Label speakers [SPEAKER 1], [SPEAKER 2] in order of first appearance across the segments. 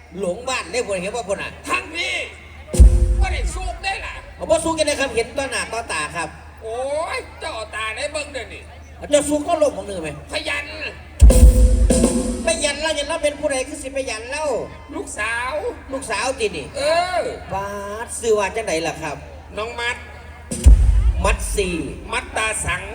[SPEAKER 1] หลงบ้านได้คนเห็นว่าคนอ่ะ
[SPEAKER 2] ทั้งพี่ก็ได้สู้ได้ล่ะ
[SPEAKER 1] ผมว่าสู้กันได้ครับเห็นต้นหน้าต้นตาครับ
[SPEAKER 2] โอ้ยเจ้าตาได้เบิ้งเดี๋ยวนี้
[SPEAKER 1] เจ้าสู้ก็ลงของหนึ่งไหม
[SPEAKER 2] พยัน
[SPEAKER 1] ไปยันเล่ายันเล่าเป็นผู้ใดคือสิไปยันเล่า
[SPEAKER 2] ลูกสาว
[SPEAKER 1] ตินี่บาสซื้อว่าจังไหนล่ะครับ
[SPEAKER 2] น้อง
[SPEAKER 1] มัดสี่
[SPEAKER 2] มัดตาสัง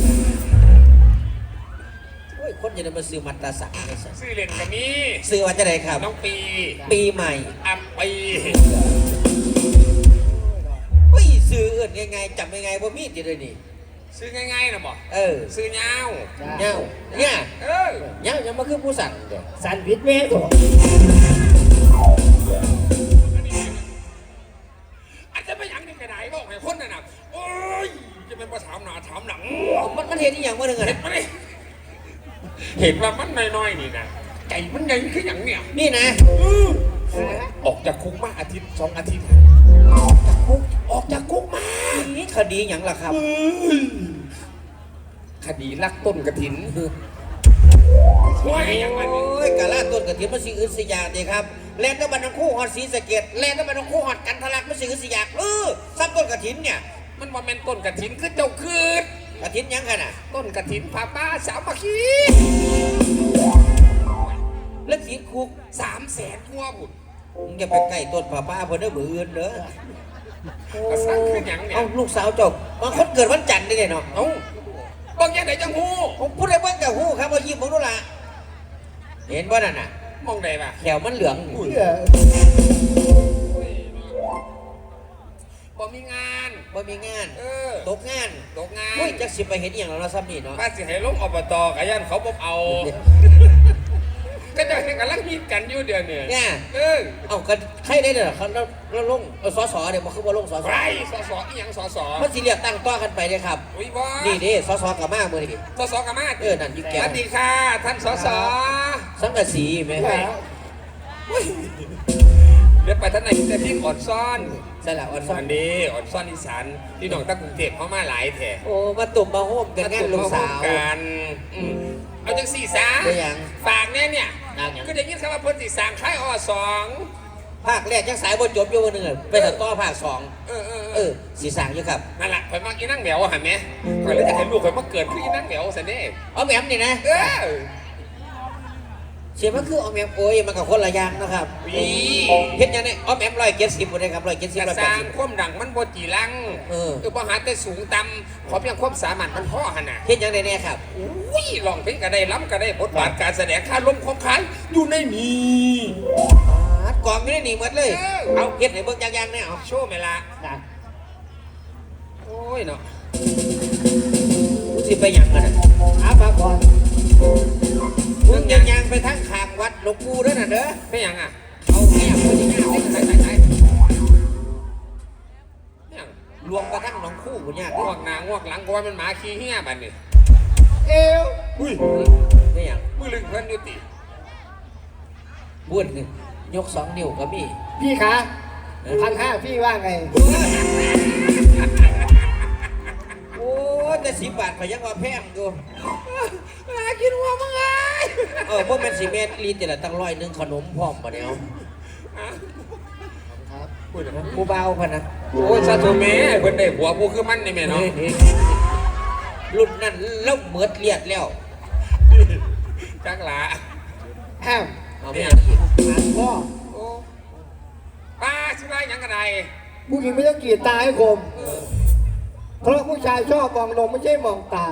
[SPEAKER 1] โอ้ยคนจะได้มาซื้อมัดตาสัง
[SPEAKER 2] ซื้อเล่นกับมี
[SPEAKER 1] ซื้อว่าจังไหนครับ
[SPEAKER 2] น้อง
[SPEAKER 1] ปีใหม่
[SPEAKER 2] อัปปี
[SPEAKER 1] เฮ้ยซื้อเอื่นไงจำยังไงว่ามีดจะเลยนี่
[SPEAKER 2] ซื้อง่ายๆนะบอกซื้อเงา
[SPEAKER 1] เนี่ยยังมาคือผู้สั่น
[SPEAKER 3] สั่นวิทย์เว้ยตัว
[SPEAKER 2] อาจจะไม่ยังในกระไดบอกให้คนน่ะโอ้ยจะเป็นภาษาหนาถามหนัง
[SPEAKER 1] มันเห็นอย่างว่าหนึ่งอะ
[SPEAKER 2] เห็นว่ามันน้อยๆนี่นะใจมันใหญ่ขึ้นอย่างเนี้ย
[SPEAKER 1] นี่นะ
[SPEAKER 2] ออกจากคุกมาอาทิตย์2 อาทิตย์ออกจากคุกมา
[SPEAKER 1] นี่คดีอย่างล่ะครับ
[SPEAKER 2] คดีลักต้นกระถินช่วยอย่างไร
[SPEAKER 1] โอ้ยกะลาต้นกระถินมันสิ่งอื่นสิ่งอย่างเดียครับแลนด์ตะบันทั้งคู่หอดสีสะเก็ดแลนด์ตะบันทั้งคู่หอดกันทะลักมันสิ่งอื่นสิ่งอย่างซ้ำต้นกระถินเนี่ย
[SPEAKER 2] มันว่าเป็นต้นกระถินคือเจ้าคืน
[SPEAKER 1] กระถินยังกันอ่ะ
[SPEAKER 2] ต้นกระถินพาป้าสาวมาคี
[SPEAKER 1] แล้วขีดคุก
[SPEAKER 2] 300,000หัวบุญ
[SPEAKER 1] อย่าไปใกล้ต้นป้าเพื่อนเด้อมืออื่นเด้อ
[SPEAKER 2] สร้างขึ้นอย่างเนี่ย
[SPEAKER 1] ลูกสาวจบบางคนเกิดวันจันทร์ได้เนาะ
[SPEAKER 2] บางอย่างไหนจังหู
[SPEAKER 1] ผมพูดได้ว่ากับหูครับว่ายิ้มผมดูละเห็นว่านั่นน่ะ
[SPEAKER 2] มองได้ปะ
[SPEAKER 1] แขวมันเหลือง
[SPEAKER 2] บ่มีงาน
[SPEAKER 1] ตกงานอุ้ยจักสิไปเห็นอย่างเราซ้ำนี่เนาะ
[SPEAKER 2] ป้าสิให้ลงอบตกะยันเขาบ่เอาก็จะให้กันลังฮิตกันอยู่เดือน
[SPEAKER 1] เนี่ยเอากันใครได้เด้อเขาเราลงสสเดี๋ยวมาคือว่าลงสส
[SPEAKER 2] ไรสสอีหยังสส
[SPEAKER 1] มันสิเรียกตั้งต้อกันไปเลยครับนี่ดิสสกับมาเมื่อกี้
[SPEAKER 2] สสกับมา
[SPEAKER 1] นั่นยิ่งแก่
[SPEAKER 2] สวัสดีค่ะท่านสส
[SPEAKER 1] สังกะสีไหม
[SPEAKER 2] เดี๋ยวไปท่านไหนจะที่อ่อนซ่อน
[SPEAKER 1] ใช่ละอ่อนซ่อน
[SPEAKER 2] ดีอ่อนซ่อนอีสานที่หนองตะกุ่งเทพเขามาหลายแถ
[SPEAKER 1] โอ้มาตุ่มมาโฮมกันงานลูกสาว
[SPEAKER 2] กันเอาจังสี่สาฝากเนี่ยก็ได้ยินคำว่าพ้นสี่สางคล้าย
[SPEAKER 1] ภาคแรกยังสายบนจบอยู่วันหนึ่งไปถัดต่อภาค4สีสางอยู่ครับ
[SPEAKER 2] นั่นแหละคอยมากินนั่งแหววหันไหมคอยเลยจะเห็นลูกคอยมาเกิดขึ้นนั่งแหววสันนี่
[SPEAKER 1] แหมมนี่นะเชื่อมันคือแหมมโอ้ยมันกับคนละอย่างนะครับเห็นยังไงแหมม170คนเลยครับ170
[SPEAKER 2] สร้างความดังมันบจีรังพอหาแต่สูงต่ำขอเพียงความสามารถมันพ่อขนาด
[SPEAKER 1] เห็นยังไงเนี่ยครับ
[SPEAKER 2] อุ้ยลองเพลงก็ได้ล้ำก็ได้บทบาทการแสดงค่าลมของขายอยู่ในนี้
[SPEAKER 1] กองไม่ได้หนีหมดเลยเอาเห็นไหนเบิ้งยังเนี่ย
[SPEAKER 2] โชว์ไหมล่ะโอ้ยเนาะ
[SPEAKER 1] สิไปยังกัน
[SPEAKER 3] หาปลาก่อน
[SPEAKER 1] มึงยังไปทั้งขางวัดหลวงปู่ด้วยนะเด้อ
[SPEAKER 2] ไปยังอ่ะ
[SPEAKER 1] เอาแง่คนที่งานใส่รวมกระทั่งน้องคู่คุณยาก
[SPEAKER 2] งวกหนางวกหลังกวนมันหมาขี้เหี้ยบันนี่อุ้ย
[SPEAKER 1] ไม่ยัง
[SPEAKER 2] มือลึงเพื่อนยุติ
[SPEAKER 1] บ้วนยก2 นิ้วก็มี
[SPEAKER 3] พี่คะ1,500พี่ว่าไง
[SPEAKER 1] โอ้แต่10 บาทพยังว่าแพงอยู่กินหัวมึงไงพวกเป็น10 เมตรลีแต่ละตั้ง100ขนมพร้อมปะเนี่ยกูเบาพะนะ
[SPEAKER 2] โอ้ยซาโตเมะเพิ่นได้หัวผู้คือมันนี่แม่เนาะ
[SPEAKER 1] รุ่นนั้นเล่าเหมือดเลียดแล้ว
[SPEAKER 2] จักหลา
[SPEAKER 1] เอาไม่
[SPEAKER 3] พ่อ
[SPEAKER 2] ป้าชื่ออะไรยังกระได
[SPEAKER 3] ผู้หญิงไม่ต้องกีดตาให้คมเพราะผู้ชายชอบมองลงไม่ใช่มองตา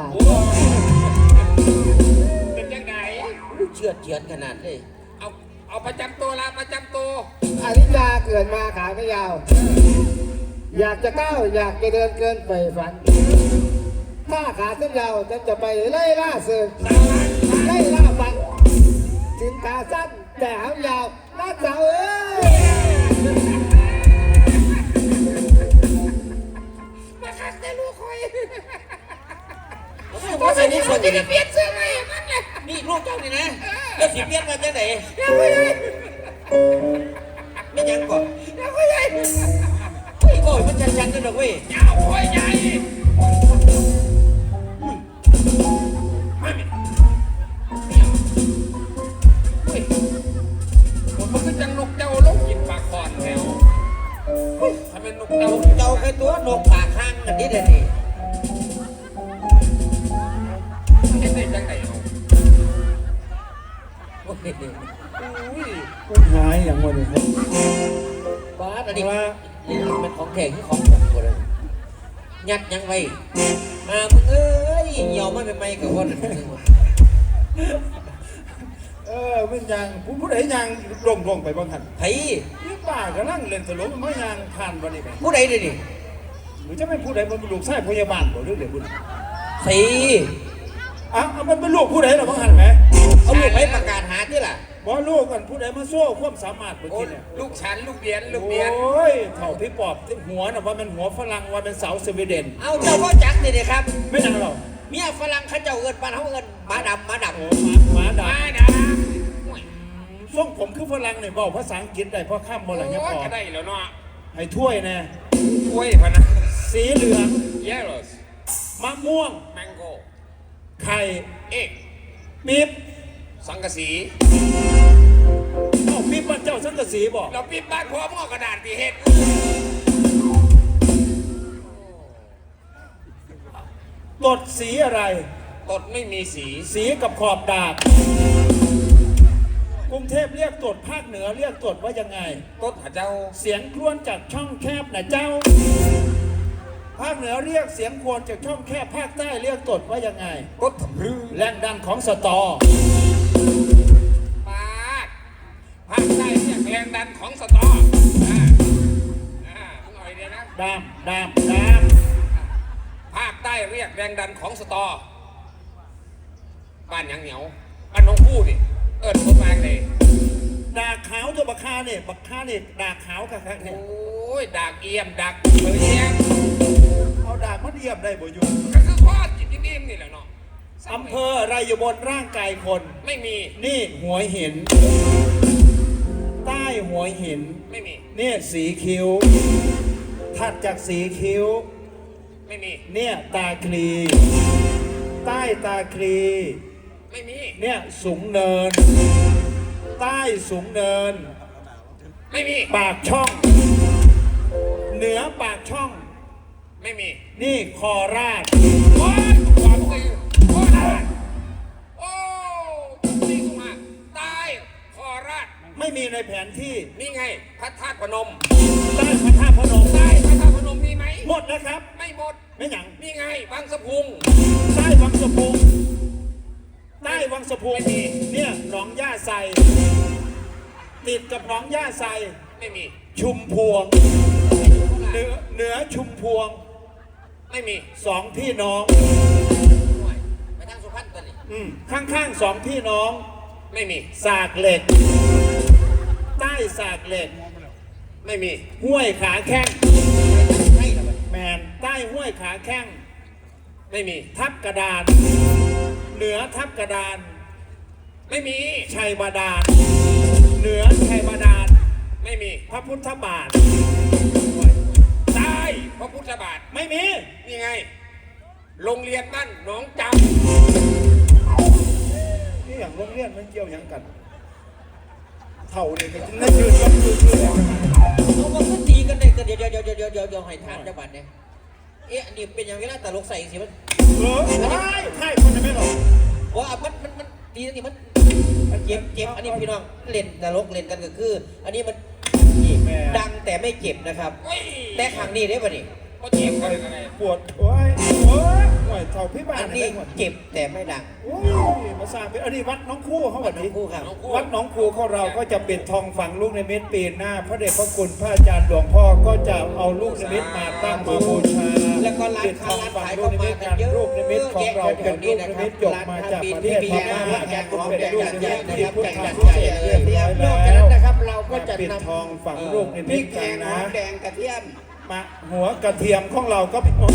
[SPEAKER 2] เป็นยังไง
[SPEAKER 1] เชื่อขนาดเลย
[SPEAKER 2] เอาประจำตัวละประจำตัว
[SPEAKER 3] อนิจจาเกิดมาขาไม่ยาวอยากจะก้าวอยากจะเดินเกินไปฝันถ้าขาเส้นยาวจะไปไล่ล่าเสือไล่ล่าฟันถึงขาสั้นแต่หางยาวน่าเจ้า
[SPEAKER 2] มาคักแต่ลูกคอย
[SPEAKER 1] ว่าใส่นี่คน
[SPEAKER 2] จะเปลี่ยนเสื้อไหมมันเนี่ย
[SPEAKER 1] นี่ลูกเจ้านี่นะแล้วสิเปลี่ยนมาจากไหนไม่ยังก่อนโอ้ยมันชันๆนั่นหรอกเว้ย
[SPEAKER 2] ยาวคอยใหญ่ไม่มีมันก็คือจังนกเจ้าลงกินปลาคอนแล้วทำไมนกเจ้า
[SPEAKER 1] เจ้าเคยตัวนกปากข้างกันนี่เดี๋ยวนี้
[SPEAKER 2] เห็นได้จังไหนเอา
[SPEAKER 1] โอ้ย
[SPEAKER 2] อุ้ย
[SPEAKER 3] คนหายอย่างวันนี้ครับ
[SPEAKER 1] บ้าอันนี้นี่เป็นของแข็งของผมหมดเลยยัดยังไงมามึงเอ้ยเหี่ยวมันเป็นไม้กับคน
[SPEAKER 3] ไม่ยังผู้ใดยังลงไปบ้างคัน
[SPEAKER 1] ไผ่
[SPEAKER 3] นี่ป้ากำลังเล่นตลกไม่ยังผ่านวันนี้ไหม
[SPEAKER 1] ผู้ใดเดี๋ยวนี้
[SPEAKER 3] หรือจะเป็นผู้ใดมันเป็นลูกชายพยาบาลบ่หรือเด็กบุญ
[SPEAKER 1] สี
[SPEAKER 3] มันเป็นลูกผู้ใดหรอบ้างคันไหม
[SPEAKER 1] เอาลูกไปประกาศหาที่ล่ะ
[SPEAKER 3] บ่ลูกกันผู้ใดมาโซ่ความสามารถเมื่อกี้เนี่ย
[SPEAKER 2] ลูกฉันลูกเบียนลูกเบียน
[SPEAKER 3] โอ้ยเถ่าพี่ปอบหัวน่ะว่าเป็นหัวฝรั่งว่าเป็นสาวสวีเดน
[SPEAKER 1] เอาเจ้าพ่อจักนี่เลยครับ
[SPEAKER 3] ไม่นานหรอก
[SPEAKER 1] เมียฝรั่งเขาเจ้าเอินปานเขาเอินหมาดำหมาด
[SPEAKER 3] โอ้หมาด่า
[SPEAKER 2] มาดา
[SPEAKER 3] ส่งผมคือฝรั่งเนี่ยบอกภาษาอังกฤษได้เพราะข้ามบ่หลังเนี่ย
[SPEAKER 2] โอ้
[SPEAKER 3] พอ
[SPEAKER 2] ก็ได้แล้วเนาะ
[SPEAKER 3] ให้ถ้วยแน่
[SPEAKER 2] กล้วยพะนะ
[SPEAKER 3] สีเหลือง
[SPEAKER 2] yellow
[SPEAKER 3] มะม่วง
[SPEAKER 2] mango
[SPEAKER 3] ไข่
[SPEAKER 2] egg
[SPEAKER 3] ปี๊บ
[SPEAKER 2] สังกะสี
[SPEAKER 3] ปี๊บบ้านเจ้าสังกะสีบอก
[SPEAKER 2] เราปิดบ้านพร้อมเอากระดาษตีเห็ด
[SPEAKER 3] ตดสีอะไร
[SPEAKER 2] ตดไม่มีสี
[SPEAKER 3] สีกับขอบดาบกรุงเทพเรียกตดภาคเหนือเรียกตดว่ายังไง
[SPEAKER 2] ตดหาเจ้า
[SPEAKER 3] เสียงครวญจากช่องแคบนะเจ้า ภาคเหนือเรียกเสียงครวญจากช่องแคบภาคใต้เรียกตดว่ายังไง
[SPEAKER 2] ตดทำรือ
[SPEAKER 3] แรงดันของสตอ
[SPEAKER 2] ปาดภาคใต้เรียกแรงดันของสตอมึงเอาไอเดียนะ
[SPEAKER 3] ดาม
[SPEAKER 2] ภาคใต้เรียกแรงดันของสตอบ้านหยังเหนียวบ้านน้องคู่นี่เอิญคนมาเลย
[SPEAKER 3] ดาขาวตัวบักคาเนี่ยบักคาเนี่ยดาขาวค่ะ
[SPEAKER 2] โอ
[SPEAKER 3] เนี่ย้
[SPEAKER 2] ยดักเอี่ยมดักเอี่ยม
[SPEAKER 3] เอาดามาเดียบได้บ่อยู่
[SPEAKER 2] ก็คือข้อจิตนิ่มๆนี่แหละเนาะ
[SPEAKER 3] อำเภออะไรอยู่บนร่างกายคน
[SPEAKER 2] ไม่มี
[SPEAKER 3] นี่หัวหิน ใต้หัวหิน
[SPEAKER 2] ไม่มี
[SPEAKER 3] เนี่ยสีคิ้ว ถัดจากสีคิ้ว
[SPEAKER 2] ไม่มี
[SPEAKER 3] เนี่ยตาคลี ใต้ตาคลี
[SPEAKER 2] ไม่มี
[SPEAKER 3] เนี่ยสูงเนิน ใต้สูงเนิน
[SPEAKER 2] ไม่มี
[SPEAKER 3] ปากช่อง เหนือปากช่อง
[SPEAKER 2] ไม่มี
[SPEAKER 3] นี่คอราช
[SPEAKER 2] โอ้ยความตีโคราชโอ้นี่กูมาใต้โคราช
[SPEAKER 3] ไม่มีในแผนที่
[SPEAKER 2] นี่ไงพระธาตุพนม
[SPEAKER 3] ใต้พระธาตุพนม
[SPEAKER 2] ใต้พระธาตุพนมมีไหม
[SPEAKER 3] หมดนะครับ
[SPEAKER 2] ไม่หมด
[SPEAKER 3] ไม่หยัง
[SPEAKER 2] นี่ไงบางสะพุง
[SPEAKER 3] ใต้วังสะพุงใต้วังสะพุง
[SPEAKER 2] ไม่มี
[SPEAKER 3] เนี่ยหนองย่าไซติดกับหนองย่าไซ
[SPEAKER 2] ไม่มี
[SPEAKER 3] ชุมพวงเหนือชุมพวง
[SPEAKER 2] ไม่มี
[SPEAKER 3] สองพี่น้อง
[SPEAKER 1] ไปทางสุพรรณกันนี่
[SPEAKER 3] ข้างๆสองพี่น้อง
[SPEAKER 2] ไม่มี
[SPEAKER 3] สากเหล็ก ใต้สากเหล็ก
[SPEAKER 2] ไม่มี
[SPEAKER 3] ห้วยขาแข้ง
[SPEAKER 1] ใช่หรอ
[SPEAKER 3] แมนใต้ห้วยขาแข้ง
[SPEAKER 2] ไม่มี
[SPEAKER 3] ทับกระดาน เหนือทับกระดาน
[SPEAKER 2] ไม่มี
[SPEAKER 3] ชัยบาดาลเหนือชัยบาดาล
[SPEAKER 2] ไม่มี
[SPEAKER 3] พระพุทธบาท
[SPEAKER 2] ใต้พระพุทธบาท
[SPEAKER 3] ไม่มี
[SPEAKER 2] นี่ไง โรงเรียนบ้านหนองจ
[SPEAKER 3] นี่อย่างโรงเรียนมันเกี่ยวหยังกันเท่าเนี่ยก็น่าชื่นชมเลย
[SPEAKER 1] เอามาพูดตีกันได้ก็เดี๋ยวให้ทานจังหวัดเนี่ยอันนี้เป็นอย่างไรล่ะตลกใส่สิมัน
[SPEAKER 3] ใช่คนไม่หรอก
[SPEAKER 1] ว่ามันตีอันนี้มันเจ็บอันนี้พี่น้องเล่นตลกเล่นกันก็คือ อันนี้มันดังแต่ไม่เจ็บนะครับ
[SPEAKER 2] ำเฮ้ย
[SPEAKER 1] แต่ครั้งนี้ได้ป่ะนี่
[SPEAKER 2] ก็เจ็บกันอะไร
[SPEAKER 3] ปวดโอ้ยโอ้ยเท่าพี่บ้า
[SPEAKER 1] อั
[SPEAKER 3] น
[SPEAKER 1] นนี้เจ็บแต่ไม่ดัง
[SPEAKER 3] โอ้ยมาสร้างเป็นอันนี้วัดน้องคู่เขาแบบนี้
[SPEAKER 1] คู่ครับ
[SPEAKER 3] วัดหนองคูของเราก็จะปิดทองฝังลูกในเม็ดปีหน้า พระเดชพระคุณพระอาจารย์หลวงพ่อก็จะเอาลูกในเม็ดมาตั้งมาบูชา
[SPEAKER 1] แล้วก็ร้าน
[SPEAKER 3] ปิดท
[SPEAKER 1] ค้า
[SPEAKER 3] อง
[SPEAKER 1] ร้าน
[SPEAKER 3] ฝัง
[SPEAKER 1] ขาย
[SPEAKER 3] ลู
[SPEAKER 1] ก็
[SPEAKER 3] กใน
[SPEAKER 1] มา
[SPEAKER 3] เม็ด
[SPEAKER 1] กั
[SPEAKER 3] กัน น
[SPEAKER 1] เยอะ
[SPEAKER 3] ลูกในเม็ดของเราเป็นลูกในเม็ดหยกมาจากประเทศพม่าเป็นลูกในเม็ดที่พุทธาพิเศษเรียบร้อย
[SPEAKER 1] นอกจาก
[SPEAKER 3] แล้
[SPEAKER 1] นั้น
[SPEAKER 3] ว
[SPEAKER 1] นะครับเราก็จะ
[SPEAKER 3] ปิด
[SPEAKER 1] นำ
[SPEAKER 3] ทองฝังลูกใน
[SPEAKER 1] พ
[SPEAKER 3] เม็
[SPEAKER 1] ริ
[SPEAKER 3] ด
[SPEAKER 1] กแก
[SPEAKER 3] กัน
[SPEAKER 1] งหอ
[SPEAKER 3] นะ
[SPEAKER 1] มแดงกระเทียม
[SPEAKER 3] มาหัวกระเทียมของเราก็ผู้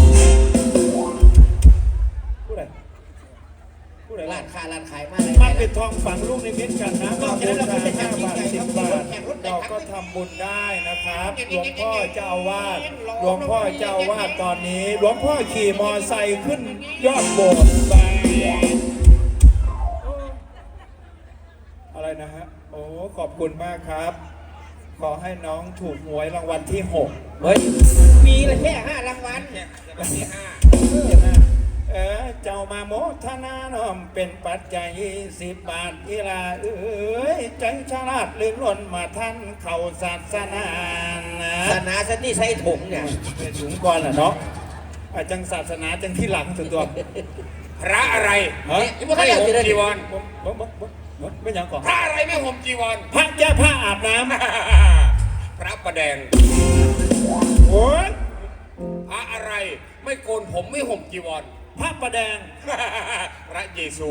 [SPEAKER 3] ใดผู้ใด
[SPEAKER 1] ร้านค้าร้านขายมา
[SPEAKER 3] มาปิดทองฝังลูกในเม็ดกันนะก็บูชา5 บาท 10 บาทเราก็ทำบุญได้นะครับหลวงพ่อเจ้าอาวาสหลวงพ่อเจ้าอาวาสตอนนี้หลวงพ่อขี่มอไซค์ขึ้นยอดโบสถ์ไปอะไรนะฮะโอ้ขอบ
[SPEAKER 4] คุณมากครับ ขอให้น้องถูกหวยรางวัลที่ 6
[SPEAKER 1] เฮ้ยมีละแค่5 รางวัล
[SPEAKER 2] เนี่ยจะเป็นที่ห้า
[SPEAKER 4] เจ้ามาโมทนาน้อมเป็นปัจจัย10 บาทอีลาเอ้ยใจฉลาดลื่นล้นมาท่านเข้าศาสนานะ
[SPEAKER 1] ศาสนาสันติใส่ถุงเนี่ย
[SPEAKER 4] เป็นสูงก่อนล่ะเนาะจังศาสนาจังที่หลังสุดตัว
[SPEAKER 2] พระอะไร
[SPEAKER 4] ฮะ
[SPEAKER 2] ไม่ห่มจีวร
[SPEAKER 4] ไม่ยังก่อน
[SPEAKER 2] พระอะไรไม่ห่มจีวร
[SPEAKER 4] พระเจ้าผ้าอาบน้ำ
[SPEAKER 2] พระประแดง
[SPEAKER 4] โอ้ย
[SPEAKER 2] พระอะไรไม่โกนผมไม่ห่มจีวร
[SPEAKER 4] พระประแดง
[SPEAKER 2] พระเยซู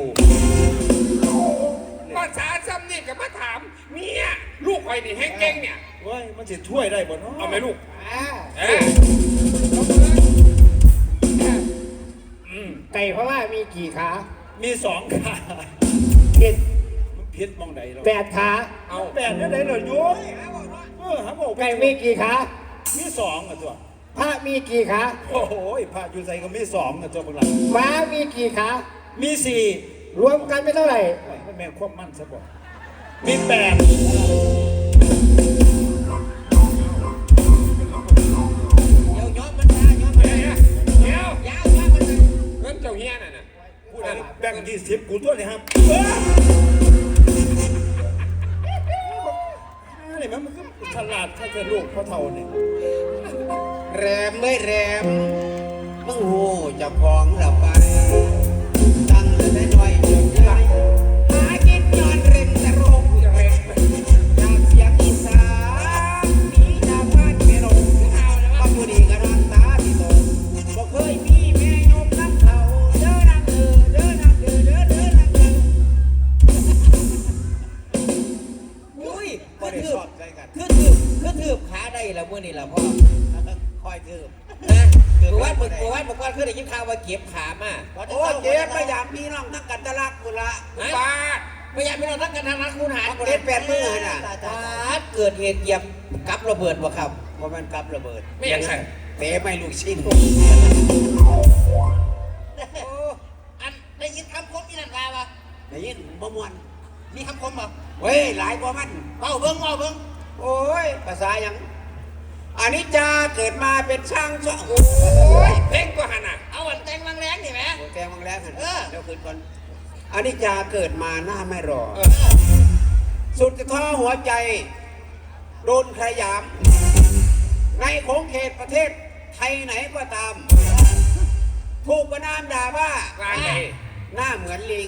[SPEAKER 2] ภาษาซ้ำนี่กับมาถามเนี่ยลูกใครนี่แห้งเก่งเนี่ย
[SPEAKER 4] เว้ยมันจะช่วยได้บ่เนาะ
[SPEAKER 2] เอาไหมลูก
[SPEAKER 3] อ่า
[SPEAKER 2] เอ้ย
[SPEAKER 3] ไก่พม่ามีกี่ขา
[SPEAKER 4] มี2 ขา
[SPEAKER 3] ผิด
[SPEAKER 4] มันพิษมองใดเรา
[SPEAKER 3] 8 ขา
[SPEAKER 2] เอา
[SPEAKER 4] แปดได้เหรอโย้ยหาบอก
[SPEAKER 3] ไก่มีกี่ขา
[SPEAKER 4] มี2อ่ะตัว
[SPEAKER 3] พระมีกี่ขา
[SPEAKER 4] โอ้โหพระอยู่ใส่ก็มี2อ่ะตัวพวกเรา
[SPEAKER 3] ม้ามีกี่ขา
[SPEAKER 4] มี4
[SPEAKER 3] รวมกันเป็นเท่าไหร่
[SPEAKER 4] แม่ควบมั่นซะบ่มี8
[SPEAKER 1] เดี๋ยวย้อมมันมาย้อมมัน
[SPEAKER 2] เดี๋ยว
[SPEAKER 1] มา
[SPEAKER 2] เดี๋ยวย
[SPEAKER 1] าวย้อมมันมา
[SPEAKER 2] เงินเจ้าเฮียน่ะนะพูดอะไร
[SPEAKER 4] แบ่ง20กูตัวนี่ครับนี่มันก็ฉลาดถ้าจะลูกพ่อเท่านี่
[SPEAKER 1] แรมไม่แรมมึงโหจะพองหลับไปตั้งแต่น้อยจนใหญ่หากินย้อนเร่งแต่โรคเร่งจากเสียงอีสานหนีจากบ้านไม่ลงบางผู้ดีก็รักตาที่โตบอกเคยมีแม่ยกน้ำเขาเด้อนักเด้อนักเด้อเด้อนักเด้ออุ้ยก็ได้สอบใจกันคือถือขาได้แล้วมื่อนี่แหละพ่อคอยถือนะคือว่าบอกว่าคือได้ยินข่าวว่าเก็บขามาโอ้เก็บพยายามพี่น้องทั้งกันตะลักกุละ
[SPEAKER 2] บาท
[SPEAKER 1] พยายามพี่น้องทั้งกันทางรักคุณหารเก็บ8 มื้อน่ะเกิดเหตุเหยียบกับระเบิดวะครับว่ามันกับระเบิด
[SPEAKER 2] ไม่อยากใส่
[SPEAKER 1] เตะไม่ลูกชิ้น
[SPEAKER 5] อันได้ยินคำคมอีนันลาปะ
[SPEAKER 1] ได้ยินบ่มวน
[SPEAKER 5] มีคำคมปะ
[SPEAKER 1] เว้ยหลายกว่ามัน
[SPEAKER 5] เบาเบิ้งเบาเบิ้ง
[SPEAKER 1] โอ้ยภาษายังอันนี้จาเกิดมาเป็นช่างช่างโอ้
[SPEAKER 2] โอ้
[SPEAKER 1] ย
[SPEAKER 2] ยเพ่งก็หันอ่ะ
[SPEAKER 5] เอาอันแตงบางแรงนี่ไหม
[SPEAKER 1] โอ้แกมังแล้วหัน
[SPEAKER 5] เออ
[SPEAKER 1] เดี๋ยวคืนก่อนอันนี้จาเกิดมาหน้าไม่รอ
[SPEAKER 2] เออ
[SPEAKER 1] สุดท้อหัวใจ โดนขยาม ในของเขตประเทศไทยไหนก็ตาม ถูกประนามด่าว่า
[SPEAKER 2] ว่าไง
[SPEAKER 1] หน้าเหมือนลิง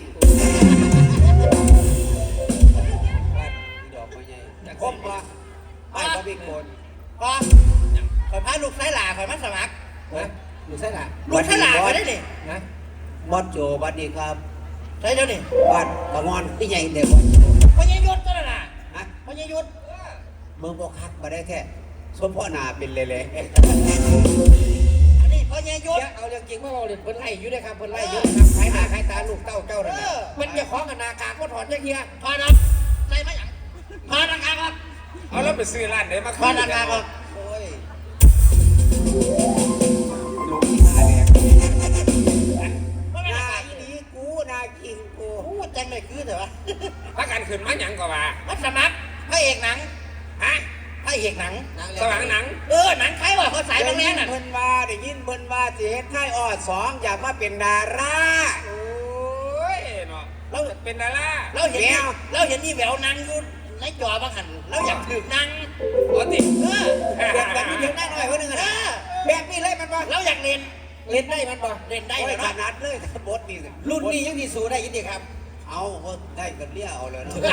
[SPEAKER 1] ดอกไม้ใหญ่ครบปะไม่ก็มีคน
[SPEAKER 5] พอคอยพาลูกไส้หล่าคอยมาสมัคร
[SPEAKER 1] นะอยู่ใช่หรอ
[SPEAKER 5] ลูกไส้หล่าไปได้ดิ
[SPEAKER 1] นะบอสโจบัดดีครับ
[SPEAKER 5] ใช่เดี๋ยวนี่
[SPEAKER 1] บัดกระงอนที่ใหญ่เด็กบอสโจ
[SPEAKER 5] พญายุทธก็น่ะ
[SPEAKER 1] ฮะ
[SPEAKER 5] พญายุทธ
[SPEAKER 1] เมืองบอกคักมาได้แค่สมพ่อหนาเป็นเละ
[SPEAKER 5] อันนี้พญายุทธ
[SPEAKER 1] เอาเรื่องจริงมาเอาเรื่องเพิ่นไล่อยู่ด้วยครับเพิ่นไล่อยู่นะครับขายหน้าขายตาลูกเต้าเจ้านั่นน่ะมันจะของกันนากากก็ถอดจักเทีย
[SPEAKER 5] พอนะใส่มาอย่างพอนักการครับ
[SPEAKER 2] เอาแล้วไปซื้อร้านไหนมา
[SPEAKER 5] พอนักการครับ
[SPEAKER 1] โอ้ยลูกที่หาแดง
[SPEAKER 5] พอนัก
[SPEAKER 1] นา
[SPEAKER 5] การ
[SPEAKER 1] อีนี้กูนาคิงกู
[SPEAKER 5] พูดจังเลยคือเถอะวะ
[SPEAKER 2] พักกันขึ้นมาหยังก็ว่า
[SPEAKER 5] มาสมัครพระเอกหนัง
[SPEAKER 2] ฮะ
[SPEAKER 5] พระเอกหนัง
[SPEAKER 2] สว่างหนัง
[SPEAKER 5] หนังใครวะเขาสายบางแรงน่ะ
[SPEAKER 1] เพิ่นว่าได้ยินเพิ่นว่าสิเฮ็ดค่ายออด2อยากมาเป็นดารา
[SPEAKER 2] โอ้ยเนาะเราจะเป็นดารา
[SPEAKER 5] เราเห็นนี่แหววนางอยู่ในจอบางหันเราอยากถือนาง
[SPEAKER 2] โอ้ติ
[SPEAKER 1] แบบนี้เดี๋ยวได้หน่อยคนหนึงอะนะแบบนี้เลยมันบ่
[SPEAKER 5] เราอยากเล่น
[SPEAKER 1] เล่นได้มันบ่
[SPEAKER 5] เล่นได้
[SPEAKER 1] โอ้
[SPEAKER 5] เลย ย
[SPEAKER 1] ข
[SPEAKER 5] เนาะ
[SPEAKER 1] นาดเลยบทนี่รุ่นนี้ยังสิสู้ได้ยินดีครับ เอาได้กันเลี้ยเอาเลยเนาะ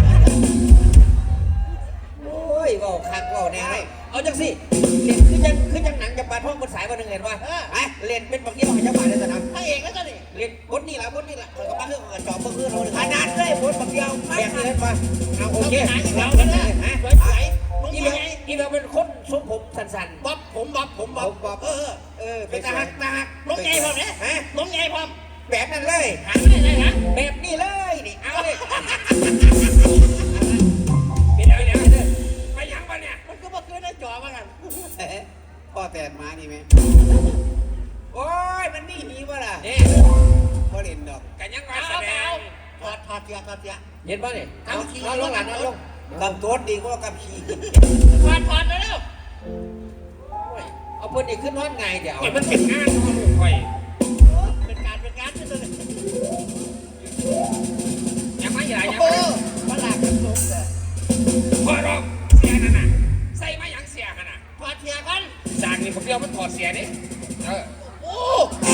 [SPEAKER 1] โอ้ยเว้าคักเว้าแน่เลยเอาจังสิเล่นคือจังหนังจะปาท่องบนสายวันหนึ่งเห็นว่าเล่นเป็นบางทีเราจะปาได้แต่นั้น
[SPEAKER 5] พระเอกแล้วจ้ะนี่
[SPEAKER 1] เล่นบทนี่แหละเขาก็มาเรื่องกับจอบเพื่อนเราขนาดเลยบทบางเดียวแบบนี้เห็นป่ะเอาโอ
[SPEAKER 5] เรา
[SPEAKER 1] เค
[SPEAKER 5] ไปหาอีก
[SPEAKER 1] เรา
[SPEAKER 5] แล้ว
[SPEAKER 1] เนี่
[SPEAKER 5] นะ
[SPEAKER 1] ย
[SPEAKER 5] สวยๆลุง
[SPEAKER 1] อี
[SPEAKER 5] ให
[SPEAKER 1] เบล
[SPEAKER 5] ญ่
[SPEAKER 1] อีเบลเป็นคนทรงผมสั้นๆ
[SPEAKER 5] บ๊อบผมบ๊อบ
[SPEAKER 1] เป็นตาหักตาหัก
[SPEAKER 5] ลุงใหญ่พร้อมเนี่ย
[SPEAKER 1] ฮะ
[SPEAKER 5] ลุงใหญ่พร้อม
[SPEAKER 1] แบบนั้นเลย
[SPEAKER 5] หาไม่ได้นะ
[SPEAKER 1] แบบนี้เลยนี่เอาเลย
[SPEAKER 2] เดี๋ยวไปหยังปะเนี่ย
[SPEAKER 5] มันก็มาคืนในจอบ้างกัน
[SPEAKER 1] พ่อแตนมานี่ไหมโอ้ยมันนี่หนีวะล่ะ
[SPEAKER 2] นี่
[SPEAKER 1] พ่อเล่นดอก
[SPEAKER 2] กันยังว่าแสดง
[SPEAKER 5] ถอดเสีย
[SPEAKER 1] เห็นป่ะเนี่ย
[SPEAKER 5] เอาที
[SPEAKER 1] นอนลงหลังนอนลงคำโทษดีกว่ากับขี่
[SPEAKER 5] ถอดแล้ว
[SPEAKER 1] เอาเพื่อนอีกขึ้นนอนไงเดี๋ยว
[SPEAKER 2] โอ้ยมันเป็นงานของลูกคอย
[SPEAKER 5] เป็นการที่เลย
[SPEAKER 2] ยังไม่ใหญ่ยัง
[SPEAKER 5] โอ้
[SPEAKER 2] ไม่
[SPEAKER 5] มาหลากกันสมเลย
[SPEAKER 2] พอรอกเสียนั่นน่ะใส่มาอย่างเสียขนาด
[SPEAKER 5] ถอดเทียกัน
[SPEAKER 2] สากนี่ผมเดียวมันถอดเสียนี่
[SPEAKER 5] โอ้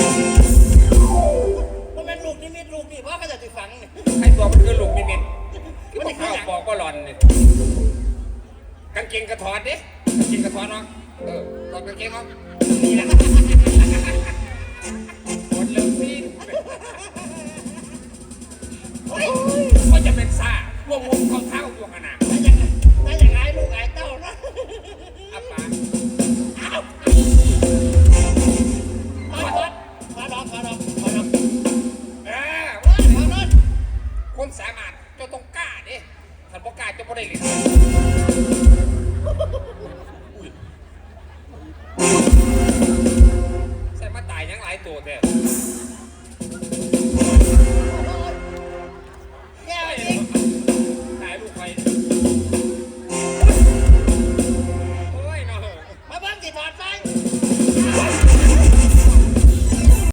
[SPEAKER 5] มันเป็นลูกนิมิตลูกนี่ว่าเขาจะติดฝังเนี่ย
[SPEAKER 2] ไอ้ตัวมันคือลูกนิมิตคือมันข้าวปอกก็หล่อนนี่กางเกงกระถอดดิกางเกงกระถอดเนาะถอดกางเกงเนาะนี่แหละหมดเรื่องพี่
[SPEAKER 5] โอ้ย